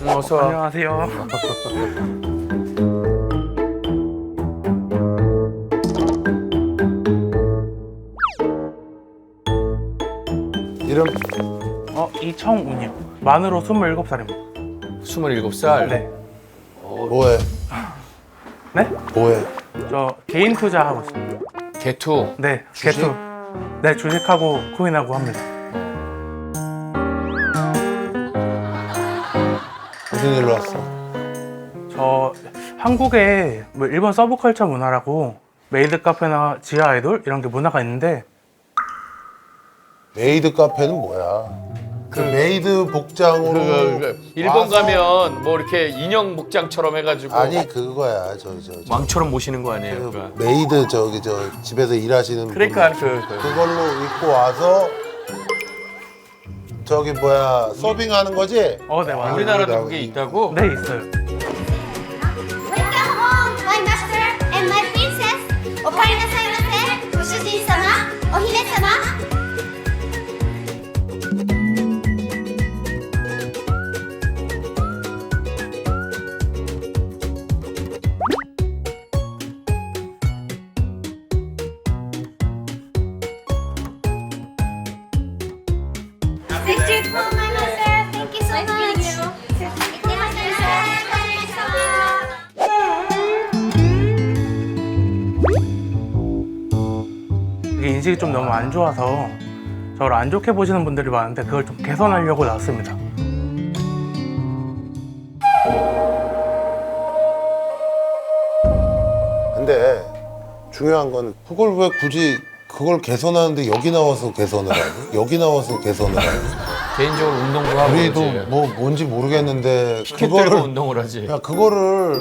어서 와. 안녕하세요. 이름 이청운이요. 만으로 27살입니다. 27살. 네. 뭐해? 네? 뭐해? 저 개인 투자하고 있습니다. 개투. 네, 개투. 네, 주식하고 코인하고 합니다. 무슨 일로 왔어? 저 한국에 뭐 일본 서브컬처 문화라고 메이드 카페나 지하 아이돌 이런 게 문화가 있는데 메이드 카페는 뭐야? 그 메이드 복장으로 일본 와서- 가면 뭐 이렇게 인형 복장처럼 해가지고 아니 그거야 저 왕처럼 모시는 거 아니에요? 그 메이드 저기 저 집에서 일하시는 그러니까 분들 그걸로 입고 와서 저기 뭐야 서빙하는 거지? 네, 맞아요. 우리나라도 그게 있다고? 네, 있어요. Welcome home, my master and my princess. お帰りなさいませ、ご主人様、お姫様。 Thank you for my master. Thank you so much. いってらっしゃい。 이게 인식이 좀 너무 안 좋아서 저를 안 좋게 보시는 분들이 많은데 그걸 좀 개선하려고 나왔습니다. 근데 중요한 건 그걸 왜 굳이 그걸 개선하는데 여기 나와서 개선을 하니? 여기 나와서 개선을 하니? 개인적으로 운동도 하고 우리도 그러지. 뭐 뭔지 모르겠는데 피켓 들고 운동을 하지. 야 그거를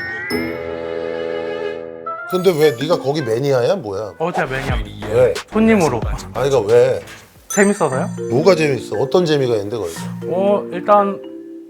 근데 왜 네가 거기 매니아야 뭐야? 제가 매니아입니다. 왜? 손님으로. 아니 그러니까 왜? 재밌어서요? 뭐가 재밌어? 어떤 재미가 있는데 거기? 일단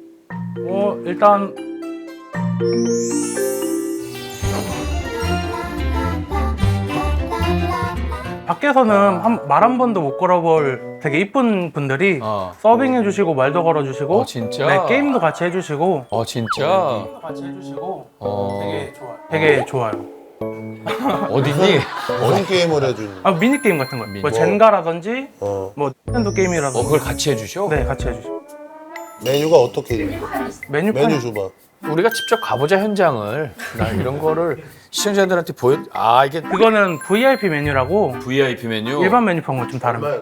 밖에서는 말 한 번도 못 걸어볼 되게 이쁜 분들이 서빙해 주시고 말도 걸어 주시고 진짜? 네, 게임도 같이 해 주시고 진짜? 같이 해 주시고 어. 되게 좋아요. 어디니? 무슨 게임을 해주니? 미니 게임 같은 거요. 뭐 미니. 젠가라든지 어 뭐 닌텐도 게임이라든지 그걸 같이 해주셔? 네, 같이 해 주시고. 메뉴가 어떻게 있는데? 메뉴판 메뉴 줘봐. 우리가 직접 가보자 현장을. 나 이런 거를 시청자들한테 이게 그거는 VIP 메뉴라고 VIP 메뉴. 일반 메뉴판과 좀 다릅니다.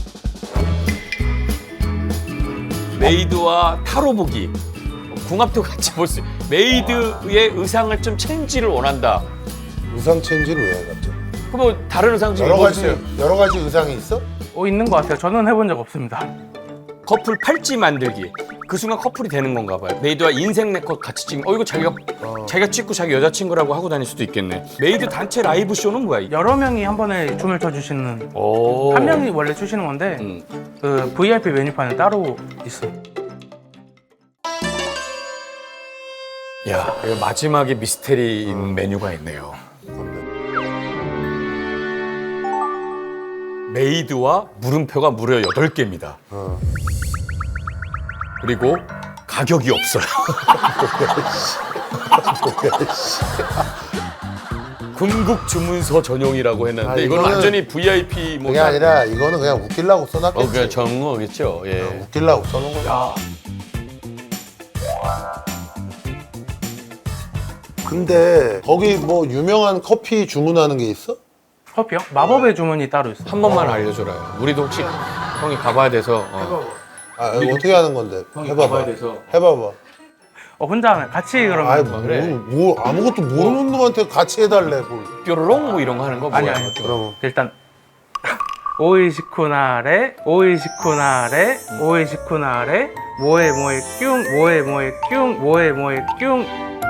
메이드와 타로 보기. 궁합도 같이 볼 수. 메이드의 의상을 좀 체인지를 원한다. 의상 체인지를 왜 해 갑자기? 그럼 뭐 다른 의상 좀 여러 가지 입어주세요. 여러 가지 의상이 있어? 있는 것 같아요. 저는 해본 적 없습니다. 커플 팔찌 만들기. 그 순간 커플이 되는 건가 봐요. 메이드와 인생 네컷 같이 찍는. 이거 자기가 찍고 자기 여자친구라고 하고 다닐 수도 있겠네. 메이드 단체 라이브 쇼는 뭐야? 이게? 여러 명이 한 번에 춤을 춰주시는 오. 한 명이 원래 추시는 건데 그 VIP 메뉴판은 따로 있어요. 야, 이거 마지막에 미스테리 메뉴가 있네요. 메이드와 물음표가 무려 8개입니다. 그리고 가격이 없어요. 궁극 주문서 전용이라고 했는데 이건 이거는 완전히 VIP 뭐 그게 아니라 이거는 그냥 웃기려고 써놨겠지. 그냥 정어겠죠. 예. 웃기려고 써놓은 거야. 근데 거기 뭐 유명한 커피 주문하는 게 있어? 커피요? 마법의 주문이 따로 있어요. 한 번만 알려줘라요. 우리도 혹시 형이 가봐야 돼서. 어떻게 하는 건데? 해봐봐. 돼서. 해봐봐. 혼자 하면 같이 그러면 아이 그래. 뭐 아무것도 모르는 놈한테 같이 해달래 뭘. 뾰로롱 뭐 이런 거 하는 거 뭐야? 아니. 그러면 일단 오이시쿠나레 오이시쿠나레 오이시쿠나레 모에 모에 뀨 모에 모에 뀨 모에 모에 뀨.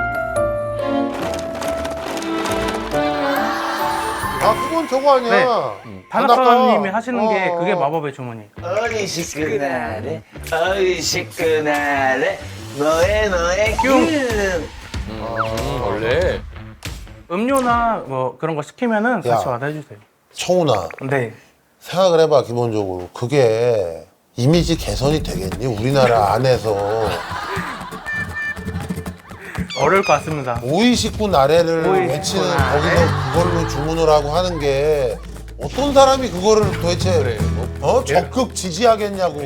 그건 저거 아니야. 네. 다나카님이 하시는 게 그게 마법의 주문이에요. 오이시쿠나레 오이시쿠나레 너의 너의 균 원래 음료나 뭐 그런 거 시키면은 같이 야. 와서 해주세요. 청훈아 네. 생각을 해봐 기본적으로 그게 이미지 개선이 되겠니? 우리나라 안에서 어려울 것 같습니다. 오이식구 나래를 오이식구 외치는 나래. 거기서 그걸로 주문을 하고 하는 게 어떤 사람이 그거를 도대체 그래, 뭐. 적극 지지하겠냐고.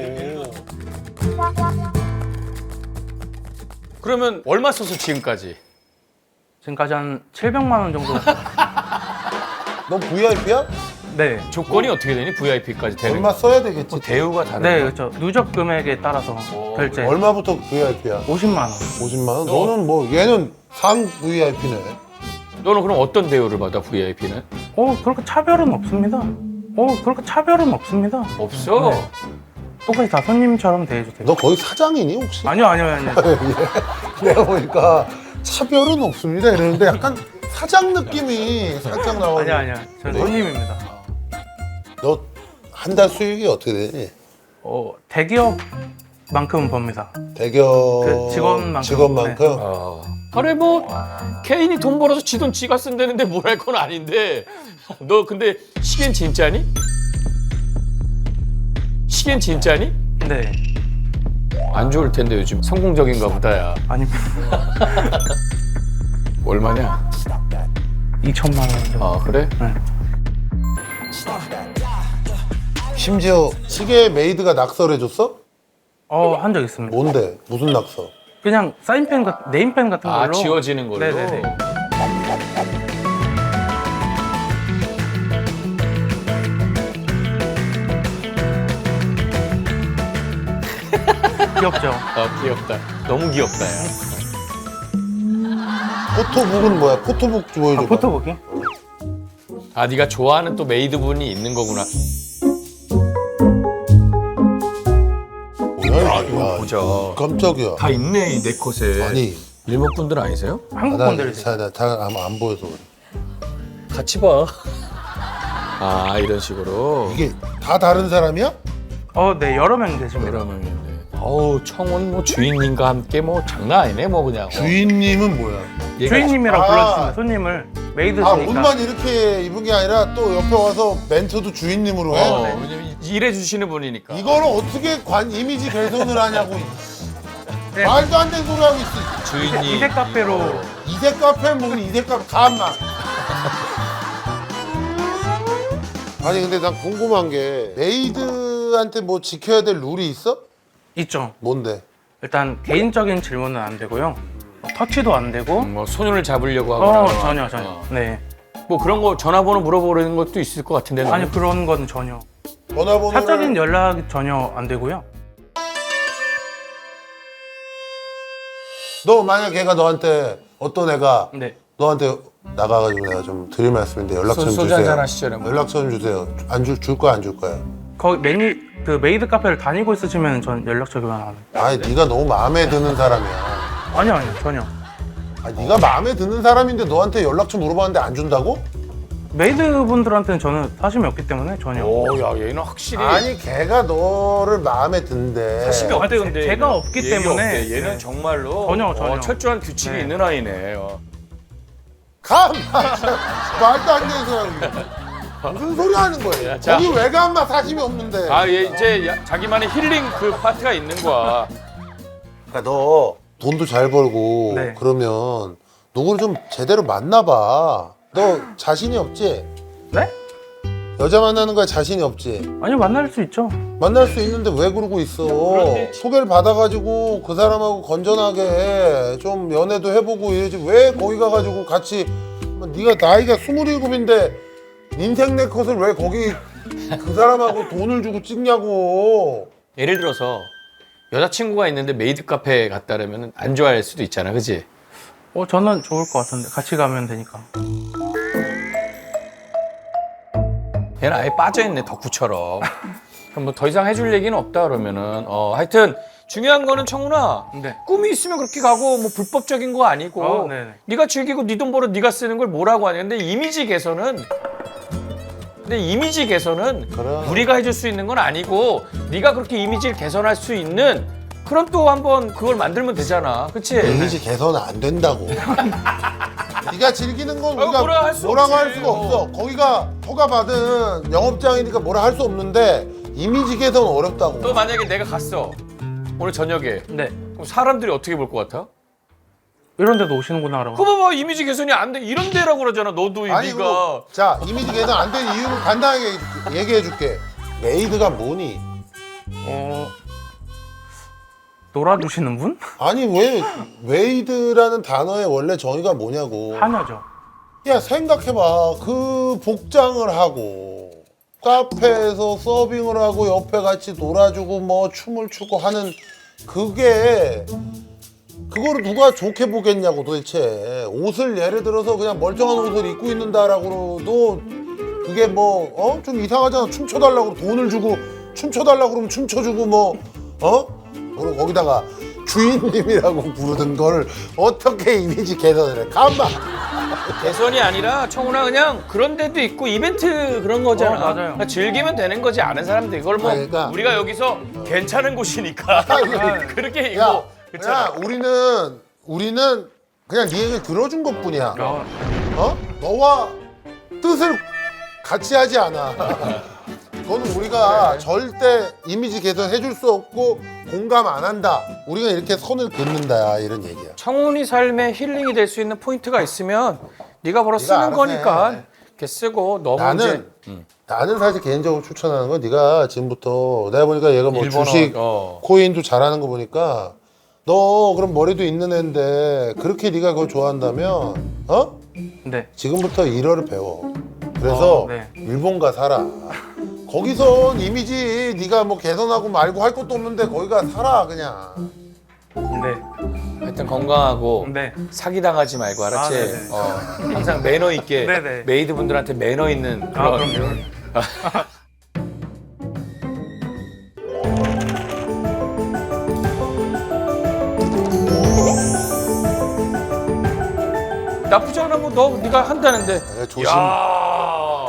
그러면 얼마 써서 지금까지? 지금까지 한 700만 원 정도. 너 VIP야? 네. 조건이 어떻게 되니? VIP까지 되는 얼마 써야 되겠지? 뭐 대우가 다른 네, 거야? 그렇죠. 누적 금액에 따라서 결제. 얼마부터 VIP야? 50만 원. 50만 원? 너는 뭐 얘는 상 VIP네. 너는 그럼 어떤 대우를 받아 VIP는? 그렇게 차별은 없습니다. 그렇게 차별은 없습니다. 없어. 네. 똑같이 다 손님처럼 대해주세요. 너 거기 사장이니 혹시? 아니요. 내가 보니까 차별은 없습니다 이러는데 약간 사장 느낌이 살짝 나오네. 아니요. 저는 손님입니다. 너 한 달 수익이 어떻게 되니? 대기업만큼은 법니다. 대기업 그 직원만큼. 직원만큼? 그래 뭐 개인이 돈 벌어서 지 돈 지가 쓴다는데 뭘 할 건 아닌데 너 근데 시계는 진짜니? 시계는 진짜니? 네. 안 좋을 텐데 요즘 성공적인가 보다야. 아닙니다. 얼마냐? 2천만 원 정도. 아 그래? 네. 심지어 시계 메이드가 낙서해줬어? 한 적 있습니다. 뭔데? 무슨 낙서? 그냥 사인펜 네임펜 같은 걸로. 아 지워지는 걸로? 네네네. 귀엽죠? 귀엽다. 너무 귀엽다 야. 포토북은 뭐야? 포토북 보여줘봐. 포토북이? 아 네가 좋아하는 또 메이드분이 있는 거구나. 뭐야, 이거 보자. 깜짝이야. 다 있네 이 네컷에. 아니, 일본 분들 아니세요? 한국 분들이세요. 안 보여서 그래. 같이 봐. 아 이런 식으로. 이게 다 다른 사람이야? 네, 여러 명 계십니다. 그러면 어우 청원 뭐 주인님과 함께 뭐 장난 아니네 뭐 그냥. 주인님은 뭐야? 얘가 주인님이라고 아. 불러주시면 손님을 메이드시니까. 옷만 이렇게 입은 게 아니라 또 옆에 와서 멘트도 주인님으로 해? 왜냐면 일해 주시는 분이니까. 이거를 어떻게 이미지 개선을 하냐고. 네. 말도 안 되는 소리 하고 있어. 주인님. 이색 카페로. 이색 카페 뭐 이색 카페 가만. 아니 근데 난 궁금한 게 메이드한테 뭐 지켜야 될 룰이 있어? 있죠. 뭔데? 일단 개인적인 질문은 안 되고요. 터치도 안 되고. 뭐 손을 잡으려고 하거나. 전혀. 어. 네. 뭐 그런 거 전화번호 물어보는 것도 있을 것 같은데. 너는? 아니 그런 건 전혀. 전화번호를 사적인 연락이 전혀 안 되고요. 너 만약 걔가 너한테 어떤 애가 네. 너한테 나가가지고 내가 좀 드릴 말씀인데 연락처 좀 소주 주세요. 한잔 하시죠, 뭐. 연락처 좀 주세요. 줄 거야 안 줄 거야? 거기 그 메이드 카페를 다니고 있으시면 전 연락처 교환 안 해요. 아니 네가 너무 마음에 드는 사람이야. 아니요 전혀. 아니 네가 마음에 드는 사람인데 너한테 연락처 물어봤는데 안 준다고? 메이드 분들한테는 저는 사심이 없기 때문에 전혀. 오야 얘는 확실히. 아니 걔가 너를 마음에 든대. 사심이 없대 근데. 제가 없기 얘기 때문에. 없대. 얘는 네. 정말로 전혀. 철저한 규칙이 네. 있는 아이네. 가! 말도 안 되는 소리야. 무슨 소리 하는 거예요? 자. 거기 왜 가? 인마 사심이 없는데. 아얘 이제 자기만의 힐링 그 파트가 있는 거야. 그러니까 너 돈도 잘 벌고 네. 그러면 누구를 좀 제대로 만나봐. 너 자신이 없지? 네? 여자 만나는 거에 자신이 없지? 아니요 만날 수 있죠. 만날 수 있는데 왜 그러고 있어? 소개를 받아가지고 그 사람하고 건전하게 좀 연애도 해보고 이러지 왜 거기 가가지고 같이 네가 나이가 27인데 인생 내 컷을 왜 거기 그 사람하고 돈을 주고 찍냐고. 예를 들어서 여자친구가 있는데 메이드 카페 갔다 그러면 안 좋아할 수도 있잖아, 그지? 저는 좋을 것 같은데 같이 가면 되니까. 얘는 아예 빠져있네, 덕후처럼. 그럼 뭐 더 이상 해줄 얘기는 없다 그러면은 하여튼 중요한 거는 청훈아, 네. 꿈이 있으면 그렇게 가고 뭐 불법적인 거 아니고 네네. 네가 즐기고 네 돈 벌어 네가 쓰는 걸 뭐라고 하냐. 근데 이미지 개선은 그래. 우리가 해줄 수 있는 건 아니고 네가 그렇게 이미지를 개선할 수 있는 그럼 또 한번 그걸 만들면 되잖아, 그치? 이미지 개선은 안 된다고. 네가 즐기는 건 우리가 뭐라 할 수 뭐라고 없지. 할 수가 없어. 거기가 허가받은 영업장이니까 뭐라 할 수 없는데 이미지 개선은 어렵다고. 또 만약에 내가 갔어 오늘 저녁에 네. 그럼 사람들이 어떻게 볼 것 같아? 이런 데도 오시는구나라고. 그거 봐봐 이미지 개선이 안 돼. 이런 데라고 그러잖아. 너도 아니 네가. 그거 자 이미지 개선 안 되는 이유를 간단하게 얘기해줄게. 메이드가 뭐니? 놀아주시는 분? 아니 왜 메이드라는 단어의 원래 정의가 뭐냐고. 하녀죠. 야 생각해봐. 그 복장을 하고 카페에서 서빙을 하고 옆에 같이 놀아주고 뭐 춤을 추고 하는 그게 그거를 누가 좋게 보겠냐고 도대체. 옷을 예를 들어서 그냥 멀쩡한 옷을 입고 있는다라고도 그게 뭐 좀 이상하잖아. 춤춰달라고 돈을 주고 춤춰달라고 그러면 춤춰주고 뭐 그리고 거기다가 주인님이라고 부르는 걸 어떻게 이미지 개선을 해. 가만. 개선이 아니라 청훈아 그냥 그런 데도 있고 이벤트 그런 거잖아. 맞아요. 그러니까 즐기면 되는 거지 아는 사람들 이걸 뭐 아니, 그러니까. 우리가 여기서 괜찮은 곳이니까 그렇게 야, 이거 그렇잖아. 야 우리는 그냥 네 얘기를 들어준 것뿐이야. 너와 뜻을 같이 하지 않아. 그거는 우리가 절대 이미지 개선 해줄 수 없고 공감 안 한다. 우리가 이렇게 선을 긋는다 이런 얘기야. 청훈이 삶에 힐링이 될 수 있는 포인트가 있으면 네가 벌어 쓰는 알아서 거니까 해. 이렇게 쓰고 너무 나는 사실 개인적으로 추천하는 건 네가 지금부터 내가 보니까 얘가 뭐 일본어, 주식 어. 코인도 잘하는 거 보니까 너 그럼 머리도 있는 애인데 그렇게 네가 그걸 좋아한다면 네. 지금부터 일어를 배워. 그래서 네. 일본 가 살아. 거기선 이미지 네가 뭐 개선하고 말고 할 것도 없는데 거기 가 살아 그냥. 네. 하여튼 건강하고 네. 사기 당하지 말고 알았지? 네네. 항상 매너 있게 네네. 메이드 분들한테 매너 있는 그런 그럼요. 나쁘지 않아 뭐 너 네가 한다는데. 야, 조심. 야.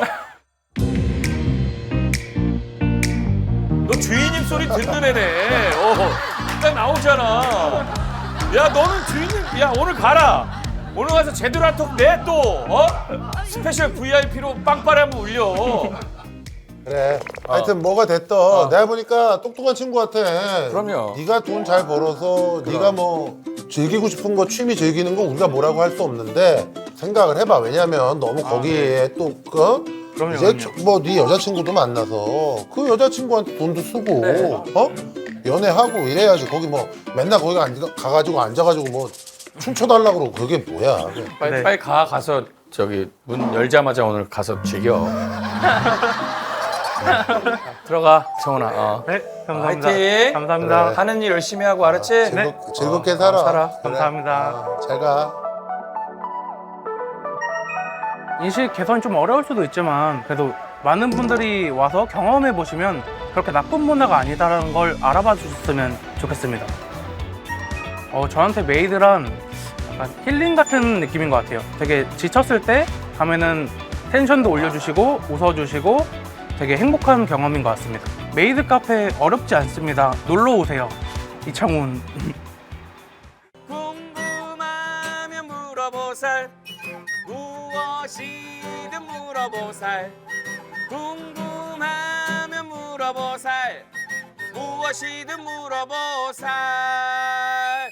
너 주인님 소리 듣는 애네. 딱 나오잖아. 야 너는 주인님. 야 오늘 가라. 오늘 가서 제대로 한 턱 내 또. 스페셜 VIP로 빵빠레 한번 울려. 그래. 하여튼 뭐가 됐던 내가 보니까 똑똑한 친구 같아. 그럼요. 네가 돈 잘 벌어서 네가 뭐 즐기고 싶은 거 취미 즐기는 거 우리가 뭐라고 할 수 없는데 생각을 해봐. 왜냐면 너무 거기에 또 그럼요, 이제 그럼요. 뭐 네 여자친구도 만나서 그 여자친구한테 돈도 쓰고 네. 연애하고 이래야지. 거기 뭐 맨날 거기 가가지고 앉아가지고 뭐 춤춰달라고 그러고 그게 뭐야. 빨리 네. 빨리 가서 저기 문 열자마자 오늘 가서 즐겨. 들어가 청훈아. 네. 감사합니다. 화이팅! 감사합니다. 그래. 하는 일 열심히 하고 알았지? 즐겁게 살아. 살아. 그래. 감사합니다. 잘 가. 인식 개선이 좀 어려울 수도 있지만 그래도 많은 분들이 와서 경험해 보시면 그렇게 나쁜 문화가 아니다라는 걸 알아봐 주셨으면 좋겠습니다. 저한테 메이드란 약간 힐링 같은 느낌인 것 같아요. 되게 지쳤을 때 가면은 텐션도 올려주시고 웃어주시고 되게 행복한 경험인 것 같습니다. 메이드 카페 어렵지 않습니다. 놀러 오세요. 이창훈. 궁금하면 물어보살 무엇이든 물어보살 궁금하면 물어보살 무엇이든 물어보살